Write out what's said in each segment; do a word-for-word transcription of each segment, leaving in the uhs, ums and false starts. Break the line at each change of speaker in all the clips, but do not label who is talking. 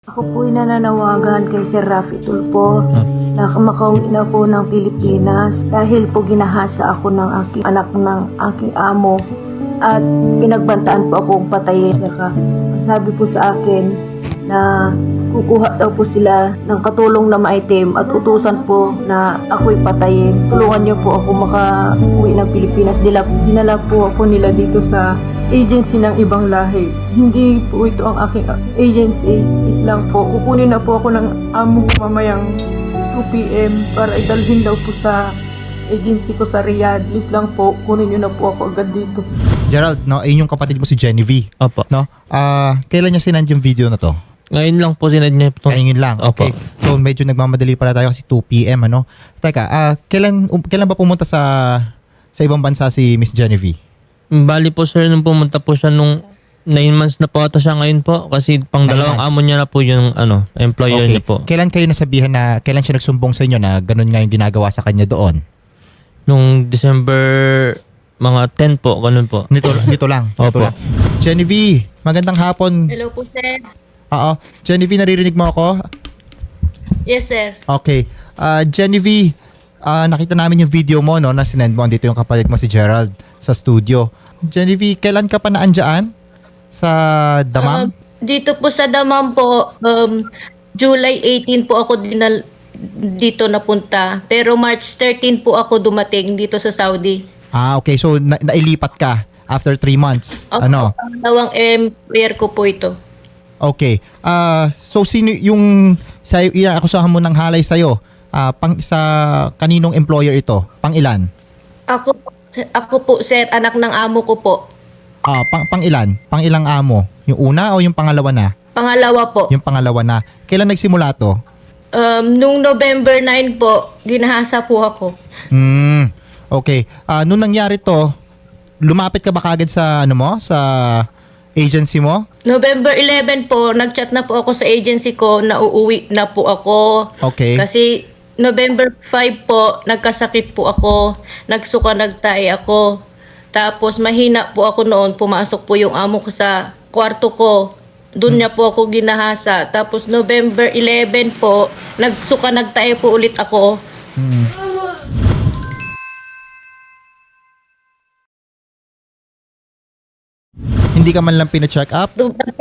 Ako po'y nananawagan kay Sir Raffy Tulfo na makauwi na po ng Pilipinas dahil po ginahasa ako ng aking anak ng aking amo at pinagbantaan po akong patayin. Saka sabi po sa akin na kukuha daw po sila ng katulong na maitim at utusan po na ako'y patayin. Tulungan niyo po ako makauwi ng Pilipinas. Dila, dinala po ako nila dito sa agency ng ibang lahi. Hindi po ito ang aking agency. Is lang po. Kukunin na po ako ng amo ko mamayang two p m para idalhin daw po sa agency ko sa Riyadh. Please lang po, kunin niyo na po ako agad dito.
Gerald, no, ayun yung kapatid mo si Genevieve.
Opo.
No? Ah, kailan niya sinend yung video na to?
Ngayon lang po sinad niya ito.
Ngayon lang.
Opo.
Okay. So medyo nagmamadali pala tayo kasi two p m ano. Teka, ah, kailan um, kailan ba pumunta sa sa ibang bansa si Miss Genevieve?
Bali po sir, nung pumunta po siya nung nine months na po ata siya ngayon po kasi pang
Nine
dalawang
months.
amo niya na po yung ano, employer
Okay.
niya po.
Kailan kayo nasabihan na kailan siya nagsumbong sa inyo na ganun nga yung ginagawa sa kanya doon?
Nung December mga ten po, ganun po.
Nito dito lang. Dito
Opo.
lang. Genevieve, magandang hapon.
Hello po, sir.
Oo. Genevieve, naririnig mo ako?
Yes, sir.
Okay. Ah, Genevieve, ah, nakita namin yung video mo no na sinend mo dito yung kapatid mo si Gerald sa studio. Genevieve, kailan ka pa naandyan sa Damam?
Um, dito po sa Damam po, um, July eighteen po ako dinal dito napunta. Pero March thirteen po ako dumating dito sa Saudi.
Ah, okay. So na- nailipat ka after three months.
Opo,
Ano?
Pangalawang employer ko po ito.
Okay. Ah, so sino yung sa inakusahan mo ng halay sa iyo? Ah, pang sa kaninong employer ito? Pang ilan?
Ako ako po, sir, anak ng amo ko po.
Ah, pang pang ilan? Pang ilang amo? Yung una o yung pangalawa na?
Pangalawa po.
Yung pangalawa na. Kailan nagsimula to?
Um, nung November nine po, ginahasa po ako.
Hmm. Okay. Ah, nung nangyari to, lumapit ka ba kagad sa ano mo, sa agency mo?
November eleven po, nagchat na po ako sa agency ko na uuwi na po ako.
Okay.
Kasi November five po, nagkasakit po ako, nagsuka, nagtae ako. Tapos mahina po ako noon, pumasok po yung amo ko sa kwarto ko. Doon niya po ako ginahasa. Tapos November eleven po, nagsuka, nagtae po ulit ako.
Hmm. Hindi ka man lang pina-check up?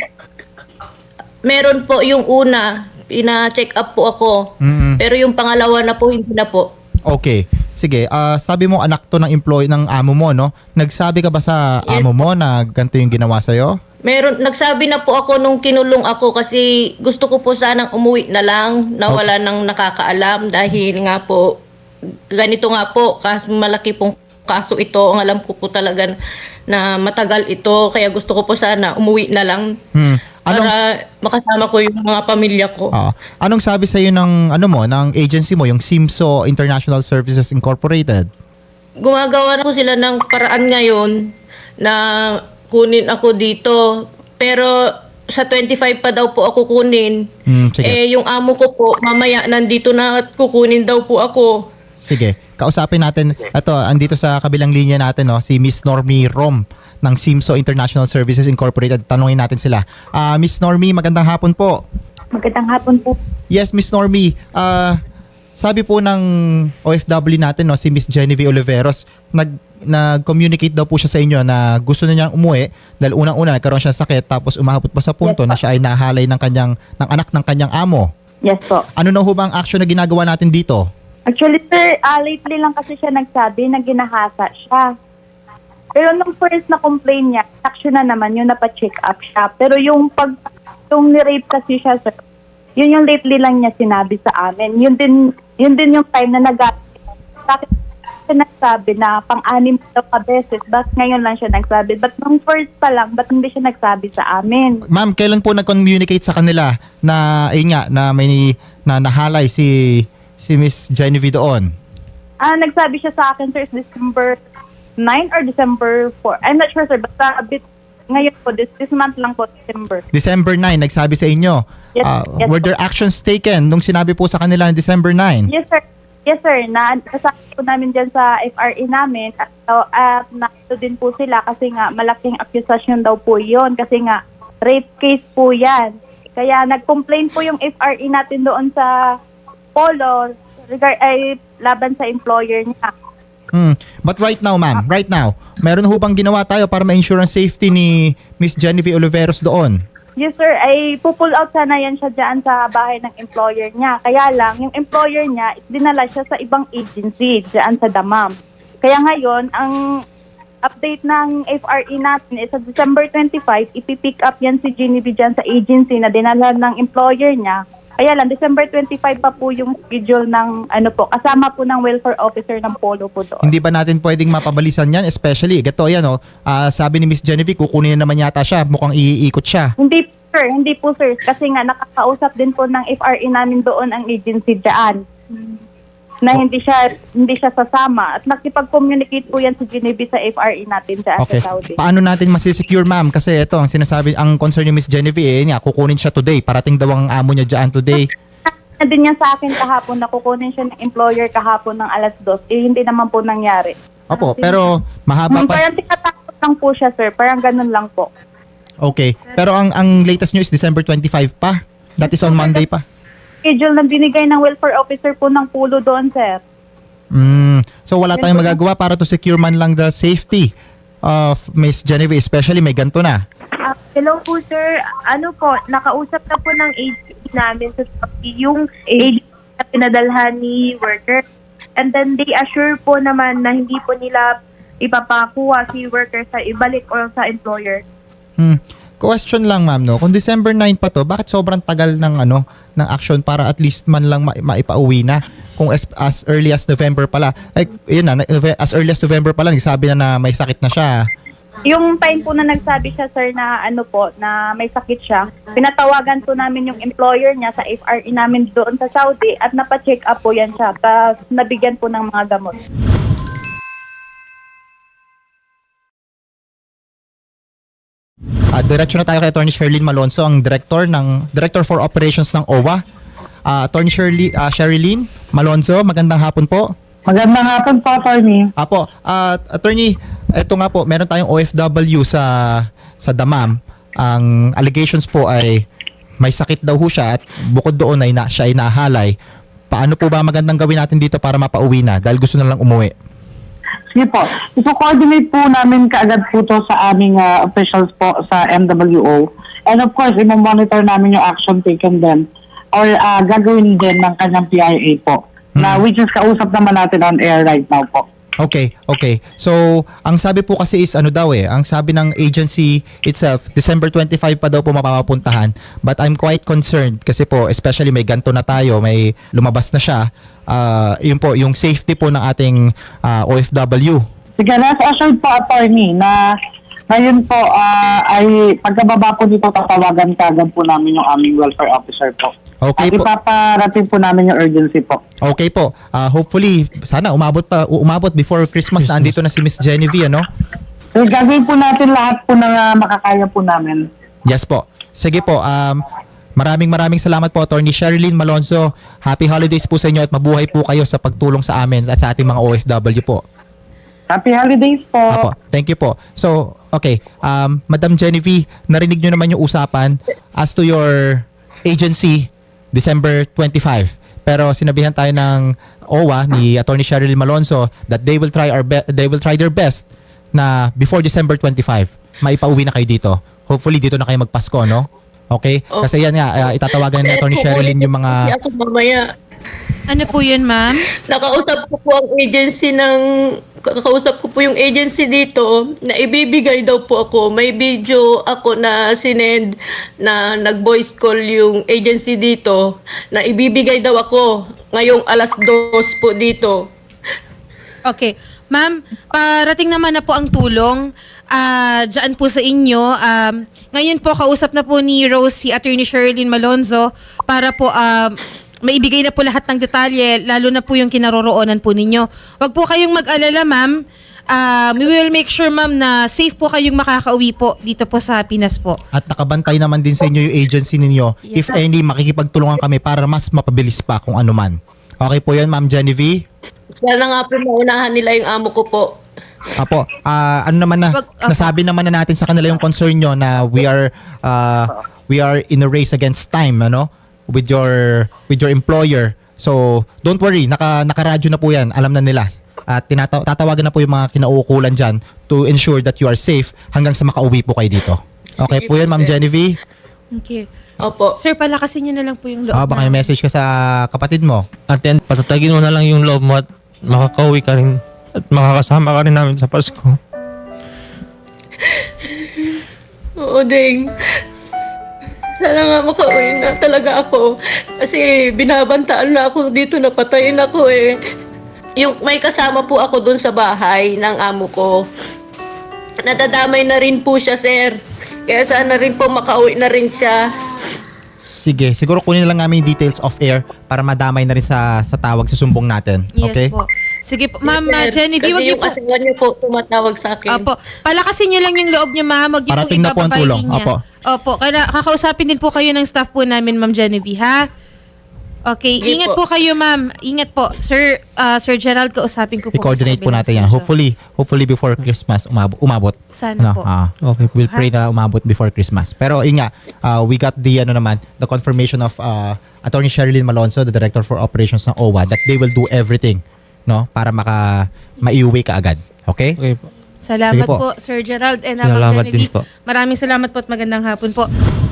Meron po yung una, pina-check up po ako.
Mm.
Pero yung pangalawa na po, hindi na po.
Okay. Sige, ah, sabi mo anak to ng employee ng amo mo, no? Nagsabi ka ba sa
Yes.
amo mo na ganito yung ginawa sa'yo?
Meron, nagsabi na po ako nung kinulong ako kasi gusto ko po sanang umuwi na lang na
Okay.
wala nang nakakaalam dahil nga po ganito nga po kasi malaki pong kaso ito. Ang alam ko po talaga na matagal ito kaya gusto ko po sana umuwi na lang
Hmm. Anong
para makasama ko yung mga pamilya ko.
ah, anong sabi sa iyo ng ano mo, ng agency mo, yung Simso International Services Incorporated?
Gumagawa na po sila ng paraan ngayon na kunin ako dito. Pero sa twenty-five pa daw po ako kunin.
Hmm, sige.
Eh, yung amo ko po, mamaya nandito na at kukunin daw po ako.
Sige, kausapin natin. Ito, andito sa kabilang linya natin, no, si Miss Normie Rom ng Simso International Services Incorporated. Tanungin natin sila. Ah, Miss Normie, magandang hapon po.
Magandang hapon po.
Yes, Miss Normie. Ah, sabi po ng O F W natin, no, si Miss Genevieve Oliveros, nag nag-communicate daw po siya sa inyo na gusto na niyang umuwi dahil unang-una nagkaroon siya ng sakit tapos umabot pa sa punto
Yes,
na siya ay nahalay ng kanyang ng anak ng kanyang amo.
Yes po.
Ano na ho ba ang action na ginagawa natin dito?
Actually, sir, uh, lately lang kasi siya nagsabi na ginahasa siya. Pero nung first na complain niya, action na naman yun, napacheck up siya. Pero yung pag, yung ni-rape kasi siya, sir, yun yung lately lang niya sinabi sa amin. Yun din, yun din yung time na nag- bakit siya nagsabi na pang-anim daw ka beses, bakit ngayon lang siya nagsabi? But nung first pa lang, ba't hindi siya nagsabi sa amin?
Ma'am, kailan po nag-communicate sa kanila na ayun nga na may na nahalay si si Miss Genevieve doon?
Ah, nagsabi siya sa akin, sir, is December nine or December four. I'm not sure, sir. Basta a bit ngayon po, this, this month lang po, December.
December nine, nagsabi sa inyo.
Yes,
Ah,
yes
were
po.
there actions taken nung sinabi po sa kanila ng December nine?
Yes, sir. Yes, sir. Na, nasabi po namin dyan sa F R A namin. At uh, uh, nato din po sila kasi nga malaking accusation daw po yon. Kasi nga, rape case po yan. Kaya nag-complain po yung F R E natin doon sa Polo regard ay laban sa employer niya.
Hmm. But right now, ma'am, right now, meron ho bang ginawa tayo para ma-insurance safety ni Miss Genevieve Oliveros doon?
Yes sir, ay pupull out sana yan siya dyan sa bahay ng employer niya. Kaya lang, yung employer niya, dinala siya sa ibang agency dyan sa Damam. Kaya ngayon, ang update ng F R E natin is sa December twenty-five, ipipick up yan si Genevieve dyan sa agency na dinala ng employer niya. Kaya lang, December twenty-five pa po yung schedule ng ano po, kasama po ng welfare officer ng Polo po doon.
Hindi ba natin pwedeng mapabalisan yan? Especially, gato yan, oh, ah, sabi ni Miss Genevieve, kukunin na naman yata siya, mukhang iikot siya.
Hindi sir, hindi po sir. Kasi nga nakakausap din po ng F R E namin doon ang agency dyan. Na hindi siya hindi siya sasama. At nakipag-communicate po yan si Genevieve sa F R E natin dyan
Okay.
sa Saudi.
Paano natin masisecure, ma'am? Kasi ito, ang sinasabi, ang concern ni Miss Genevieve, eh, niya, kukunin siya today. Parating daw ang amo niya dyan today.
Na din niya sa akin kahapon na kukunin siya ng employer kahapon ng alas dos. Eh, hindi naman po nangyari.
Opo, pero mahaba
Hmm,
pa.
parang tinatakot lang po siya sir. Parang ganun lang po.
Okay. Pero ang ang latest news is December twenty-five pa. That is on Monday pa.
Schedule na binigay ng welfare officer po ng Pulo doon sir.
Mm. So wala tayong magagawa para to secure man lang the safety of Miss Genevieve, especially may ganto na.
Ah, hello po sir, ano po, nakausap na po ng agency namin sa yung agency na pinadalhan ni worker. And then they assure po naman na hindi po nila ipapakuha si worker sa ibalik o sa employer.
Hmm. Question lang, ma'am, no. Kung December ninth pa to, bakit sobrang tagal ng ano ng action para at least man lang ma- maipauwi na? Kung as, as early as November pala. Like, yun na, as early as November pala, nagsabi na na may sakit na siya.
Yung time po na nagsabi siya sir na ano po, na may sakit siya, pinatawagan po namin yung employer niya sa F R E namin doon sa Saudi at napacheck up po yan siya. Tapos nabigyan po ng mga gamot.
Uh, diretso na tayo kay Attorney Sherilyn Malonzo, ang director ng Director for Operations ng O W A. Uh, Attorney Shirley, uh, Sherilyn Malonzo, magandang hapon po.
Magandang hapon po, attorney.
Apo, uh, Attorney, eto nga po, meron tayong O F W sa sa Damam. Ang allegations po ay may sakit daw ho siya at bukod doon ay na, siya ay nahalay. Paano po ba magandang gawin natin dito para mapauwi na dahil gusto na lang umuwi?
Sige po. Ipo-coordinate po namin kaagad po to sa aming ah, officials po sa M W O. And of course, imo-monitor namin yung action taken din or ah, gagawin din ng kanyang P I A po. Na which is kausap naman natin on air right now po.
Okay, okay. So, ang sabi po kasi is ano daw eh, ang sabi ng agency itself, December twenty-five pa daw po mapapapuntahan. But I'm quite concerned kasi po, especially may ganto na tayo, may lumabas na siya. Uh, yun po, yung safety po ng ating uh, O F W.
Sige, rest assured po, attorney, na ngayon po ah, ay pagkababa po dito, tatawagan kaagad po namin yung aming welfare officer po.
Okay
At
po.
ipaparating po namin yung urgency po.
Okay po. Uh, hopefully, sana umabot pa umabot before Christmas, na andito na si Miss Genevieve, ano?
So, gagawin po natin lahat po ng ah, makakaya po namin.
Yes po. Sige po. Um, maraming maraming salamat po, Attorney Sherilyn Malonzo. Happy holidays po sa inyo at mabuhay po kayo sa pagtulong sa amin at sa ating mga O F W po.
Happy holidays po.
Apo, thank you po. So, okay. Um, Madam Genevieve, narinig nyo naman yung usapan as to your agency, December twenty-five. Pero sinabihan tayo ng O W A ni Attorney Sherilyn Malonzo that they will try our be- they will try their best na before December twenty-five, maipauwi na kayo dito. Hopefully dito na kayo magpasko, no? Okay? Kasi yan nga, uh, itatawagan ni Attorney Sherilyn yung mga...
Kasi ako mamaya.
Ano po yun, ma'am?
Nakausap ko po ang agency ng kakausap ko po yung agency dito na ibibigay daw po ako. May video ako na sinend na nag-voice call yung agency dito na ibibigay daw ako ngayong alas dos po dito.
Okay. Ma'am, parating naman na po ang tulong ah dyan po sa inyo. Um, ngayon po, kausap na po ni Rose si Attorney Sherilyn Malonzo para po um, maibigay na po lahat ng detalye, lalo na po yung kinaroroonan po ninyo. Huwag po kayong mag-alala, ma'am. Uh, we will make sure, ma'am, na safe po kayong makakauwi po dito po sa Pinas po.
At nakabantay naman din sa inyo yung agency ninyo. If any, makikipagtulungan kami para mas mapabilis pa kung ano man. Okay po yun, Ma'am Genevieve?
Sana nga po maunahan nila yung amo ko po.
Apo, ah, ano naman na,
Wag- apo.
nasabi naman na natin sa kanila yung concern nyo na we are, ah, we are in a race against time, ano, with your with your employer. So, don't worry, naka nakaradyo na po 'yan. Alam na nila. At tinata- tatawagan na po yung mga kinauukulan dyan to ensure that you are safe hanggang sa makauwi po kayo dito. Okay po yun, Ma'am Genevieve?
Okay.
Opo.
Sir, palakasin niyo na lang po yung loob.
Ah, baka may
namin.
message ka sa kapatid mo.
At yan, patatagin mo na lang yung loob mo at makakauwi ka rin at makakasama ka rin namin sa Pasko.
Oo, Ding. Sana nga makauwi na talaga ako. Kasi binabantaan na ako dito, napatayin ako eh. Yung may kasama po ako dun sa bahay ng amo ko. Nadadamay na rin po siya, sir. Kaya sana rin po makauwi na rin siya.
Sige, siguro kunin na lang namin yung details off air para madamay na rin sa sa tawag sa sumbong natin.
Yes
Okay?
po. Sige po, Ma'am
Sir,
uh, Genevieve, wag
kasi
niyo
yung
po.
asawa niyo po tumatawag sa akin.
Opo. Palakasin niyo lang yung loob niya, ma'am. Wag niyo po
Parating na po ang
ibababa
tulong.
yung linya.
Opo.
Opo. Kaya kakausapin din po kayo ng staff po namin, Ma'am Genevieve, ha? Okay.
Sige
Ingat
po.
po. kayo, ma'am. Ingat po. Sir uh, Sir Gerald, kausapin ko po.
I-coordinate
sa
po
kabilang
natin yan.
station.
Hopefully, hopefully before Christmas umabot. umabot.
Sana po.
ah,
Okay po.
we'll pray na umabot before Christmas. Pero inga, uh, we got the ano naman, the confirmation of uh, Attorney Sherilyn Malonzo, the Director for Operations ng O W A, that they will do everything, no, para maka maiuwi ka agad. Okay?
Okay po.
Salamat
Sige po.
po. Sir Gerald and uh, Ma'am
Salamat din
Genevieve.
po.
Maraming salamat po at magandang hapon po.